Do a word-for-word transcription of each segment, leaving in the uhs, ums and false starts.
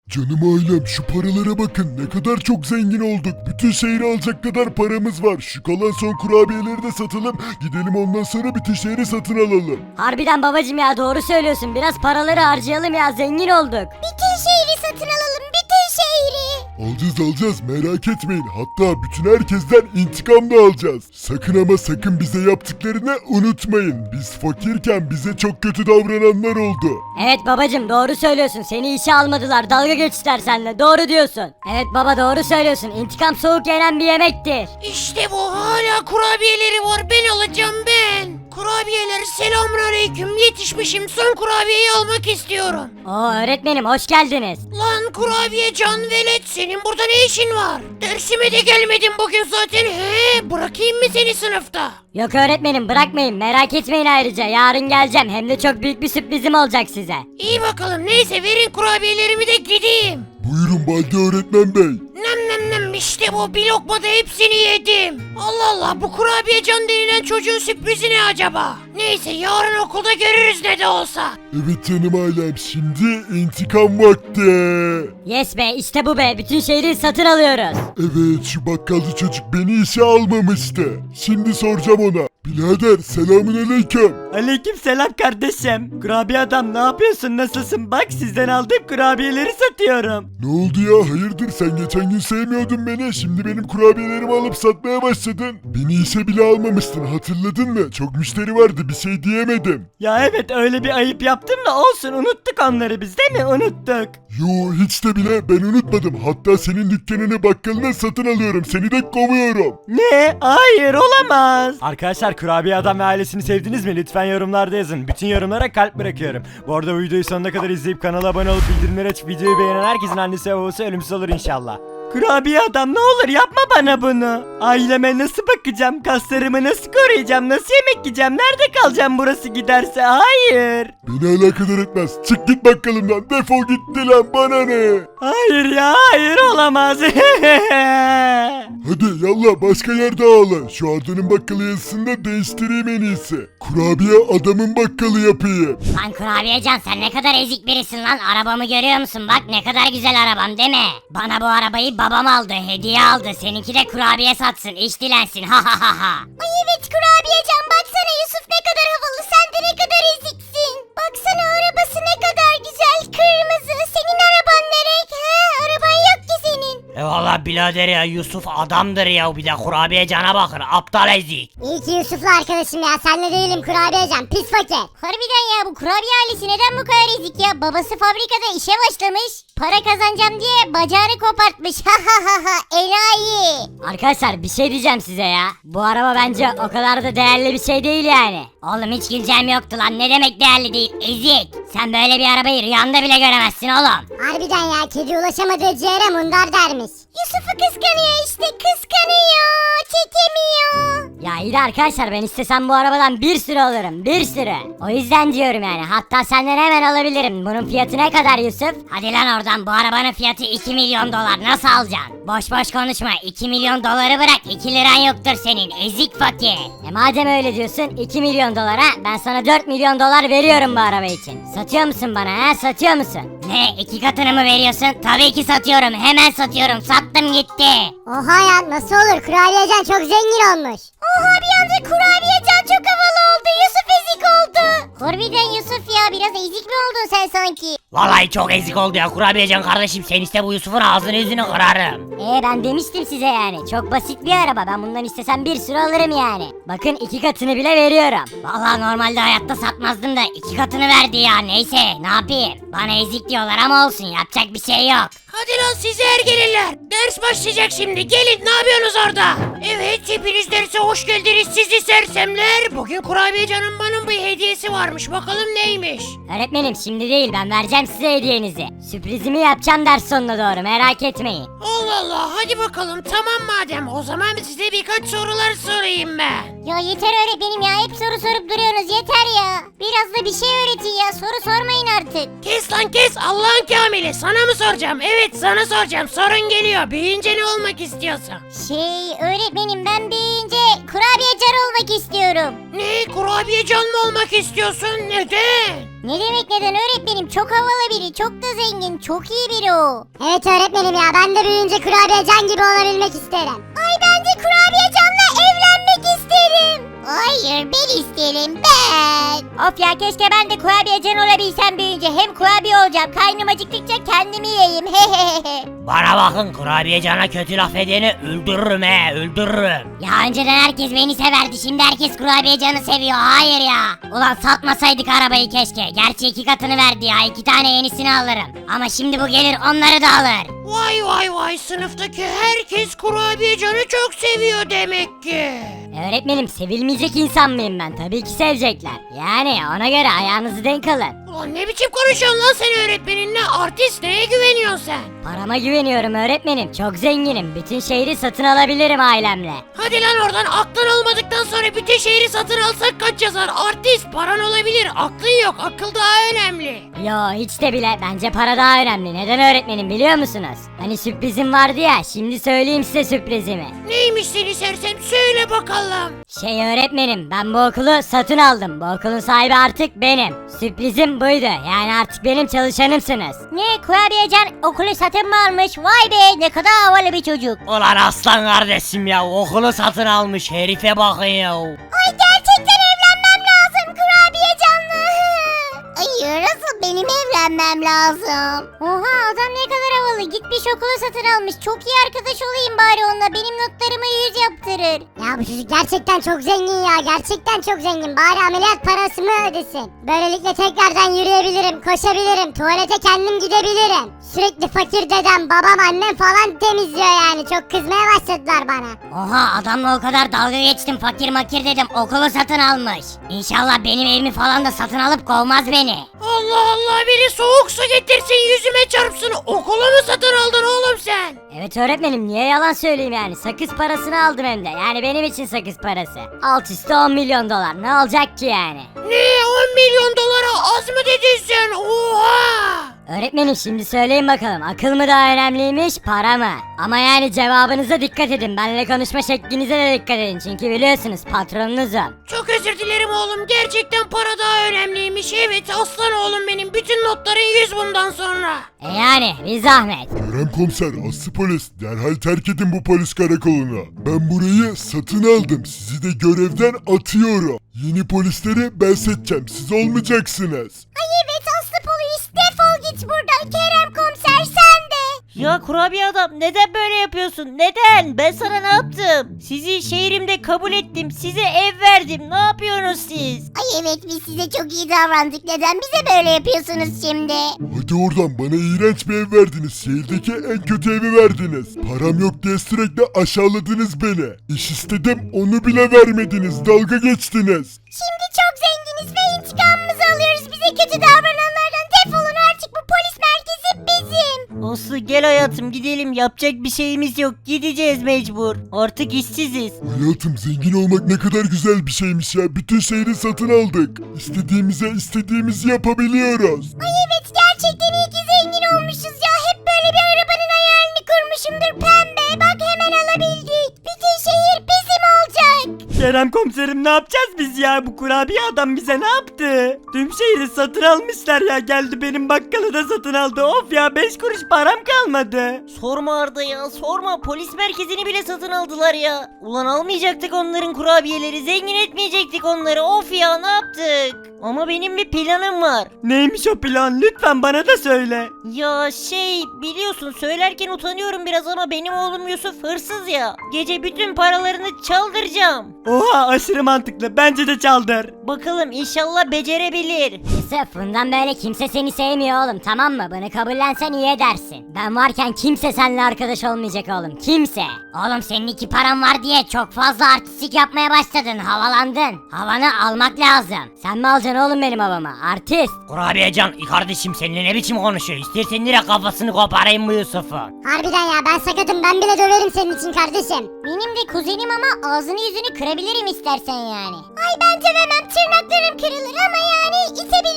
Canım ailem şu paralara bakın ne kadar çok zengin olduk. Bütün şehri alacak kadar paramız var. Şu kalan son kurabiyeleri de satalım. Gidelim ondan sonra bütün şehri satın alalım. Harbiden babacım ya doğru söylüyorsun. Biraz paraları harcayalım ya zengin olduk. Bütün şehri satın alalım, bütün şehri. Alacağız alacağız merak etmeyin. Hatta bütün herkesten intikam da alacağız. Sakın ama sakın bize yaptıklarını unutmayın. Biz fakirken bize çok kötü davrananlar oldu. Evet babacım doğru söylüyorsun. Seni işe almadılar. Dalga geçtiler seninle. Doğru diyorsun. Evet baba doğru söylüyorsun. İntikam soğuk yenen bir yemektir. İşte bu, hala kurabiyeleri var, ben alacağım ben. Kurabiyeler, selamünaleyküm, yetişmişim, son kurabiyeyi almak istiyorum. Oo öğretmenim hoş geldiniz. Lan kurabiye can velet, senin burada ne işin var? Dersime de gelmedin bugün zaten, he, bırakayım mı seni sınıfta? Yok öğretmenim bırakmayın merak etmeyin ayrıca yarın geleceğim hem de çok büyük bir sürprizim olacak size. İyi bakalım, neyse verin kurabiyelerimi de gideyim. Buyurun Balde öğretmen bey. Nem nem nem, işte bu, bir lokmada hepsini yedim. Allah Allah, bu kurabiye can denilen çocuğun sürprizi ne acaba? Neyse yarın okulda görürüz ne de olsa. Evet canım ailem şimdi intikam vakti. Yes be işte bu be bütün şehri satın alıyoruz. Evet şu bakkalcı çocuk beni işe almamıştı. Şimdi soracağım ona. Birader selamünaleyküm. Aleyküm selam kardeşim. Kurabiye adam ne yapıyorsun, nasılsın? Bak sizden aldığım kurabiyeleri satıyorum. Ne oldu ya hayırdır sen geçen gün sevmiyordun beni. Şimdi benim kurabiyelerimi alıp satmaya başladın. Beni işe bile almamıştın hatırladın mı? Çok müşteri vardı bir şey diyemedim. Ya evet öyle bir ayıp yaptım da olsun, unuttuk onları biz değil mi? Unuttuk. Yo hiç de bile ben unutmadım. Hatta senin dükkanını bakkalına satın alıyorum. Seni de kovuyorum. Ne? Hayır olamaz. Arkadaşlar kurabiye adam ve ailesini sevdiniz mi? Lütfen yorumlarda yazın. Bütün yorumlara kalp bırakıyorum. Bu arada bu videoyu sonuna kadar izleyip kanala abone olup bildirimleri açıp videoyu beğenen herkesin annesi ve babası ölümsüz olur inşallah. Kurabiye adam ne olur yapma bana bunu. Aileme nasıl bakacağım? Kaslarımı nasıl koruyacağım? Nasıl yemek yiyeceğim? Nerede kalacağım burası giderse? Hayır. Beni alakadar etmez. Çık git bakkalımdan. Defol gitti lan bana ne? Hayır ya hayır olamaz. Hadi yallah başka yerde ağla. Şu Arda'nın bakkalı yazısını da değiştireyim en iyisi. Kurabiye adamın bakkalı yapayım. Lan kurabiyecan sen ne kadar ezik birisin lan. Arabamı görüyor musun? Bak ne kadar güzel arabam değil mi? Bana bu arabayı babam aldı, hediye aldı. Seninki de kurabiye satsın, iş dilensin. Ha ha ha ha. Ay evet kurabiyecan, baksana Yusuf ne kadar havalı, sen de ne kadar eziksin. Baksana arabası ne kadar güzel, kırmızı. Senin araban ne renk? He, araban yok ki senin. E valla birader ya, Yusuf adamdır ya, bir de kurabiye cana bakır, aptal ezik. İyi ki Yusuf'la arkadaşım ya, senle değilim kurabiyecan, pis fakir. Harbiden ya, bu kurabiye ailesi neden bu kadar ezik ya? Babası fabrikada işe başlamış, para kazanacağım diye bacağını kopartmış. Ha ha ha ha, enayi. Arkadaşlar bir şey diyeceğim size ya. Bu araba bence o kadar da değerli bir şey değil yani. Oğlum hiç güleceğim yoktu lan, ne demek değerli değil, ezik. Sen böyle bir arabayı rüyanda bile göremezsin oğlum. Harbiden ya, kedi ulaşamadığı ciğere mundar dermiş. Yusuf'u kıskanıyor işte, kıskanıyor, çekemiyor. Ya iyi de arkadaşlar ben istesem bu arabadan bir sürü alırım bir sürü. O yüzden diyorum yani hatta senden hemen alabilirim. Bunun fiyatı ne kadar Yusuf? Hadi lan oradan, bu arabanın fiyatı iki milyon dolar, nasıl alacaksın? Boş boş konuşma, iki milyon doları bırak, iki liran yoktur senin ezik fakir. E madem öyle diyorsun iki milyon dolara ben sana dört milyon dolar veriyorum bu araba için. Satıyor musun bana ha satıyor musun? Ne, iki katını mı veriyorsun? Tabii ki satıyorum, hemen satıyorum, sattım gitti. Oha ya, nasıl olur, kurabiyecan çok zengin olmuş. Oha, bir anda kurabiyecan çok havalı oldu, Yusuf ezik oldu. Harbiden Yusuf ya, biraz ezik mi oldun sen sanki? Vallahi çok ezik oldu ya kurabiye can kardeşim, sen iste bu Yusuf'un ağzını yüzünü kırarım. E ben demiştim size yani çok basit bir araba ben bundan istesem bir sürü alırım yani. Bakın iki katını bile veriyorum. Vallahi normalde hayatta satmazdım da iki katını verdi ya, neyse ne yapayım. Bana ezik diyorlar ama olsun, yapacak bir şey yok. Hadi lan sizi ergeliler, ders başlayacak şimdi, gelin ne yapıyorsunuz orada? Evet, hepiniz derse hoş geldiniz sizi sersemler. Bugün kurabiye canım bana bir hediyesi varmış, bakalım neymiş? Öğretmenim şimdi değil ben vereceğim size hediyenizi. Sürprizimi yapacağım ders sonuna doğru merak etmeyin. Allah Allah, hadi bakalım, tamam madem, o zaman size birkaç sorular sorayım ben. Ya yeter öğretmenim ya, hep soru sorup duruyorsunuz, yeter ya. Biraz da bir şey öğretin ya, soru sormayın artık. Kes lan kes, Allah'ın kamili, sana mı soracağım? Evet sana soracağım, sorun geliyor, büyüyünce ne olmak istiyorsun? Şey öğretmenim, ben büyüyünce kurabiyecan olmak istiyorum. Ne, kurabiye can mı olmak istiyorsun? Neden? Ne demek neden öğretmenim? Çok havalı biri, çok da zengin, çok iyi biri o. Evet öğretmenim ya, ben de büyüyünce kurabiyecan gibi olabilmek isterim. Ay ben de kurabiyecanla evlenmek isterim. Hayır ben isterim ben. Of ya keşke ben de kurabiyecan olabilsem büyüyünce. Hem kurabiye olacağım, karnım acıktıkça kendimi yiyeyim. Bana bakın, kurabiyecana kötü laf edeni öldürürüm he, öldürürüm. Ya önceden herkes beni severdi, şimdi herkes kurabiyecanı seviyor. Hayır ya. Ulan satmasaydık arabayı keşke. Gerçi iki katını verdi ya, iki tane yenisini alırım. Ama şimdi bu gelir onları da alır. Vay vay vay, sınıftaki herkes kurabiyecanı çok seviyor demek ki. Öğretmenim sevilmeyecek insan mıyım ben? Tabii ki sevecekler. Yani ona göre ayağınızı denk alın. Ulan ne biçim konuşuyorsun lan sen öğretmeninle? Artist, neye güveniyorsun sen? Parama güveniyorum öğretmenim. Çok zenginim. Bütün şehri satın alabilirim ailemle. Hadi lan oradan, aklın olmadıktan sonra bütün şehri satın alsak kaç yazar? Artist, paran olabilir, aklın yok, akıl daha önemli. Yo hiç de bile. Bence para daha önemli. Neden öğretmenim biliyor musunuz? Hani sürprizim vardı ya. Şimdi söyleyeyim size sürprizimi. Neymiş seni sersem, söyle bakalım. Şey öğretmenim, ben bu okulu satın aldım. Bu okulun sahibi artık benim. Sürprizim buydu. Yani artık benim çalışanımsınız. Ne, kurabiyecan okulu satın mı almış? Vay be, ne kadar havalı bir çocuk. Ulan aslan kardeşim ya, okulu satın almış, herife bakın ya. Ay gerçekten evlenmem lazım kurabiyecanla. Ay nasıl benim evlenmem lazım? Oha adam ne kadar havalı, gitmiş okulu satın almış. Çok iyi arkadaş olayım bari onunla, benim notlarımı yüz yaptırır. Ya bu çocuk gerçekten çok zengin ya, gerçekten çok zengin. Bari ameliyat parasını ödesin. Böylelikle tekrardan yürüyebilirim, koşabilirim, tuvalete kendim gidebilirim. Sürekli fakir dedem, babam, annem falan temizliyor yani. Çok kızmaya başladılar bana. Oha adamla o kadar dalga geçtim, fakir makir dedim, okulu satın almış. İnşallah benim evimi falan da satın alıp kovmaz beni. Allah Allah, biri soğuk su getirsin yüzüme çarpsın, okulu mu satın aldın oğlum sen? Evet öğretmenim, niye yalan söyleyeyim yani? Sakız parasını aldım hem de. Yani benim için sakız parası. Alt üstü on milyon dolar. Ne olacak ki yani? Ne, on milyon dolara az mı dedin sen? Oha! Öğretmenim şimdi söyleyin bakalım, akıl mı daha önemliymiş, para mı? Ama yani cevabınıza dikkat edin, benimle konuşma şeklinize de dikkat edin, çünkü biliyorsunuz patronunuzum. Çok özür dilerim oğlum, gerçekten para daha önemliymiş. Evet aslan oğlum benim, bütün notların yüz bundan sonra. E yani bir zahmet. Kerem komiser, aslı polis, derhal terk edin bu polis karakolunu. Ben burayı satın aldım, sizi de görevden atıyorum. Yeni polisleri ben seçeceğim, siz olmayacaksınız. Ay evet Aslı polis, defol git buradan, Kerem komiser sen de. Ya kurabiye adam neden böyle yapıyorsun? Neden? Ben sana ne yaptım? Sizi şehrimde kabul ettim. Size ev verdim. Ne yapıyorsunuz siz? Ay evet biz size çok iyi davrandık, neden bize böyle yapıyorsunuz şimdi? Hadi oradan, bana iğrenç bir ev verdiniz, şehirdeki en kötü evi verdiniz. Param yok diye sürekli aşağıladınız beni. İş istedim, onu bile vermediniz, dalga geçtiniz. Şimdi çok zenginiz ve intikamımızı alıyoruz, bize kötü davrananlardan defolun artık, bu polis merkezi bizim. Aslı gel hayatım gidelim. Yapacak bir şeyimiz yok. Gideceğiz mecbur. Artık işsiziz. Hayatım, zengin olmak ne kadar güzel bir şeymiş ya. Bütün şehri satın aldık. İstediğimize istediğimizi yapabiliyoruz. Ay evet gerçekten iyi ki zengin olmuşuz ya, hep böyle bir arabanın hayalini kurmuşumdur pembe, bak hemen alabildik. Bütün şehir bizim olacak. Kerem komiserim ne yapacağız biz ya? Bu kurabiye adam bize ne yaptı? Tüm şehri satın almışlar ya. Geldi benim bakkalı da satın aldı. Of ya, beş kuruş param kalmadı. Sorma Arda ya, sorma. Polis merkezini bile satın aldılar ya. Ulan almayacaktık onların kurabiyeleri. Zengin etmeyecektik onları. Of ya, ne yaptık? Ama benim bir planım var. Neymiş o plan? Lütfen bana da söyle. Ya şey, biliyorsun söylerken utanıyorum biraz ama benim oğlum Yusuf hırsız ya. Gece bütün paralarını çaldıracağım. Oha, aşırı mantıklı. Bence de çaldır. Bakalım inşallah becerebilir. Yusuf, bundan böyle kimse seni sevmiyor oğlum, tamam mı? Bunu kabullensen iyi edersin. Ben varken kimse seninle arkadaş olmayacak oğlum, kimse. Oğlum senin iki paran var diye çok fazla artistik yapmaya başladın, havalandın. Havanı almak lazım. Sen mi alacaksın oğlum benim havamı? Artist. Kurabiyecan kardeşim, seninle ne biçim konuşuyor? İstersen direkt kafasını koparayım bu Yusuf'un. Harbiden ya, ben sakatım, ben bile döverim senin için kardeşim. Benim de kuzenim ama ağzını yüzünü kırabilirim istersen yani. Ay ben dövemem, tırnaklarım kırılır ama yani itebilirim.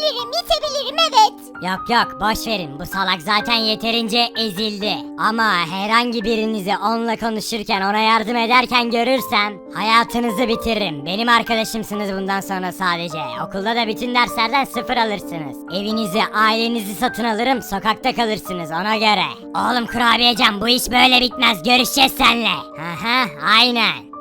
yiyebilirim, itebilirim evet. Yok yok boş verin, bu salak zaten yeterince ezildi. Ama herhangi birinizi onunla konuşurken, ona yardım ederken görürsem hayatınızı bitiririm. Benim arkadaşımsınız bundan sonra sadece. Okulda da bütün derslerden sıfır alırsınız. Evinizi, ailenizi satın alırım, sokakta kalırsınız ona göre. Oğlum kurabiyecan bu iş böyle bitmez görüşeceğiz seninle. Aha aynen.